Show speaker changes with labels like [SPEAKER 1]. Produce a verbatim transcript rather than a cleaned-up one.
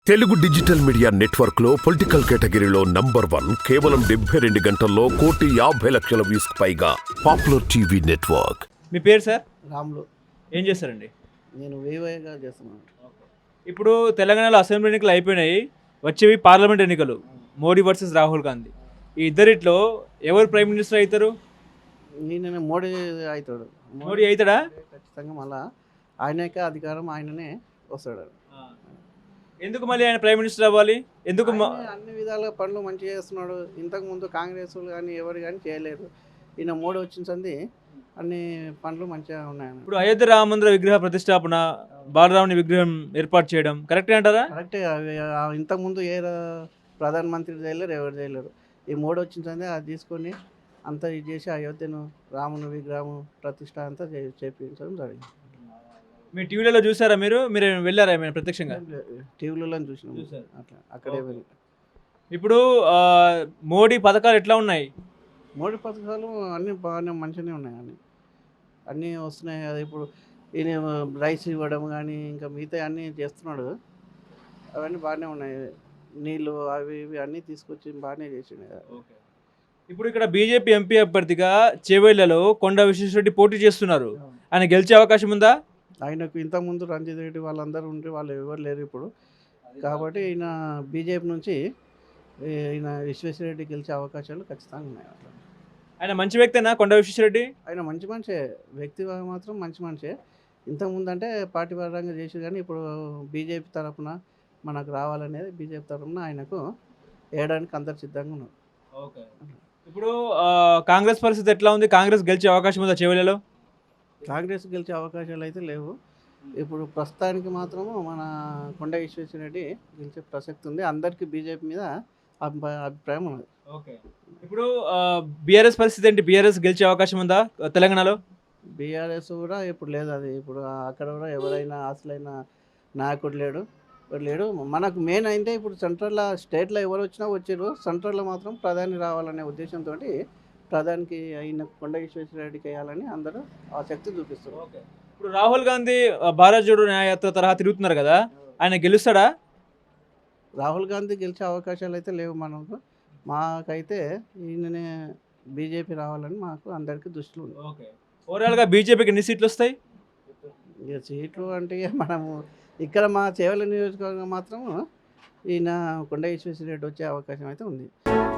[SPEAKER 1] Telugu digital media network లో political కేటగిరీలో number one కేవలం డెబ్బై రెండు గంటల్లో కోటి యాభై లక్షల వ్యూస్ పైగా పాపులర్ టీవీ నెట్వర్క్.
[SPEAKER 2] మీ పేరు సార్?
[SPEAKER 3] రాములు.
[SPEAKER 2] ఏం చేస్తారండి?
[SPEAKER 3] నేను వేవేగా చేస్తున్నాను.
[SPEAKER 2] ఇప్పుడు తెలంగాణలో అసెంబ్లీ ఎన్నికలు అయిపోయినాయి, వచ్చేవి పార్లమెంట్ ఎన్నికలు. మోడీ వర్సెస్ రాహుల్ గాంధీ. ఈ ఇద్దరిట్లో ఎవరు ప్రైమ్ మినిస్టర్ అవుతారు?
[SPEAKER 3] నేను మోడీ అవుతాడు.
[SPEAKER 2] మోడీ అవుతాడా?
[SPEAKER 3] ఖచ్చితంగా మళ్ళా ఆయనకే అధికారం, ఆయననే వస్తాడు.
[SPEAKER 2] ఎందుకు మళ్ళీ ఆయన ప్రైమ్ మినిస్టర్ అవ్వాలి? ఎందుకు?
[SPEAKER 3] ఆయనే అన్ని విధాలుగా పనులు మంచిగా చేస్తున్నాడు. ఇంతకుముందు కాంగ్రెస్ కానీ ఎవరు కానీ చేయలేరు. ఈయన మోడీ వచ్చిన సంది అన్ని పనులు మంచిగా ఉన్నాయి.
[SPEAKER 2] ఇప్పుడు అయోధ్య రామ మందిర విగ్రహ ప్రతిష్టాపన, బాలరాముని విగ్రహం ఏర్పాటు చేయడం కరెక్టే అంటారా?
[SPEAKER 3] కరెక్టే. అవి ఇంతకుముందు ఏ ప్రధానమంత్రి చేయలేరు, ఎవరు చేయలేరు. ఈ మోడీ వచ్చిన సంది అది తీసుకొని అంతా ఇది చేసి అయోధ్యను రాముని విగ్రహం ప్రతిష్ట అంతా చేయించడం జరిగింది.
[SPEAKER 2] మీ టీవీలలో చూసారా? మీరు మీరు వెళ్ళారా ఏమైనా ప్రత్యక్షంగా?
[SPEAKER 3] టీవీలలో చూసినాం. అట్లా అక్కడే వెళ్ళి.
[SPEAKER 2] ఇప్పుడు మోడీ పథకాలు ఎట్లా ఉన్నాయి?
[SPEAKER 3] మోడీ పథకాలు అన్నీ బాగానే మంచిగానే ఉన్నాయి. అన్నీ అన్నీ వస్తున్నాయి కదా. ఇప్పుడు ఈయన రైస్ ఇవ్వడం కానీ ఇంకా మిగతా అన్నీ చేస్తున్నాడు. అవన్నీ బాగానే ఉన్నాయి. నీళ్ళు అవి ఇవి అన్నీ తీసుకొచ్చి బాగానే చేసిండు కదా.
[SPEAKER 2] ఇప్పుడు ఇక్కడ బీజేపీ ఎంపీ అభ్యర్థిగా చేవెళ్లలో కొండ విశ్వేశ్వరరెడ్డి పోటీ చేస్తున్నారు. ఆయన గెలిచే అవకాశం ఉందా?
[SPEAKER 3] ఆయనకు ఇంతకుముందు రంజిత్ రెడ్డి వాళ్ళందరూ ఉంటే వాళ్ళు ఎవరు లేరు ఇప్పుడు. కాబట్టి ఈయన బీజేపీ నుంచి ఈయన విశ్వేశ్వరరెడ్డి గెలిచే అవకాశాలు ఖచ్చితంగా ఉన్నాయి.
[SPEAKER 2] ఆయన మంచి వ్యక్తేనా కొండ విశ్వేశ్వరరెడ్డి?
[SPEAKER 3] ఆయన మంచి మనిషే, వ్యక్తి మాత్రం మంచి మనిషే. ఇంతకుముందు అంటే పార్టీ పరంగా చేసి కానీ ఇప్పుడు బీజేపీ తరఫున మనకు రావాలనేది బీజేపీ తరఫున ఆయనకు వేయడానికి అందరు సిద్ధంగా ఉన్నారు.
[SPEAKER 2] ఓకే. ఇప్పుడు కాంగ్రెస్ పరిస్థితి ఎట్లా ఉంది? కాంగ్రెస్ గెలిచే అవకాశం ఉందా చేవెళ్లలో?
[SPEAKER 3] కాంగ్రెస్ గెలిచే అవకాశాలు అయితే లేవు. ఇప్పుడు ప్రస్తుతానికి మాత్రము మన కొండ విశ్వేశ్వరరెడ్డి గెలిచే ప్రసక్తి ఉంది. అందరికీ బీజేపీ మీద అభిప్రాయం ఉన్నది.
[SPEAKER 2] ఓకే. ఇప్పుడు బీఆర్ఎస్ పరిస్థితి ఏంటి? బీఆర్ఎస్ గెలిచే అవకాశం ఉందా తెలంగాణలో?
[SPEAKER 3] బీఆర్ఎస్ కూడా ఇప్పుడు లేదు. అది ఇప్పుడు అక్కడ కూడా ఎవరైనా అసలైన నాయకుడు లేడు లేడు మనకు మెయిన్ అయితే ఇప్పుడు సెంట్రల్లో స్టేట్లో ఎవరు వచ్చినా వచ్చారు. సెంట్రల్లో మాత్రం ప్రధాని రావాలనే ఉద్దేశంతో ప్రధానికి అయిన కొండ విశ్వేశ్వరరెడ్డికి వేయాలని అందరూ ఆసక్తి చూపిస్తారు.
[SPEAKER 2] ఇప్పుడు రాహుల్ గాంధీ భారత్ జోడో న్యాయయాత్ర తరహా తిరుగుతున్నారు కదా, ఆయన గెలుస్తాడా?
[SPEAKER 3] రాహుల్ గాంధీ గెలిచే అవకాశాలు అయితే లేవు మనకు. మాకైతే ఈయననే బీజేపీ రావాలని మాకు అందరికీ దృష్టిలో ఉంది.
[SPEAKER 2] ఓకే. ఓవరాల్గా బీజేపీకి ఎన్ని సీట్లు వస్తాయి?
[SPEAKER 3] ఇక సీట్లు అంటే మనము ఇక్కడ మా చేవెళ్ళ నియోజకవర్గం మాత్రం ఈయన కొండ విశ్వేశ్వరరెడ్డి వచ్చే అవకాశం అయితే ఉంది.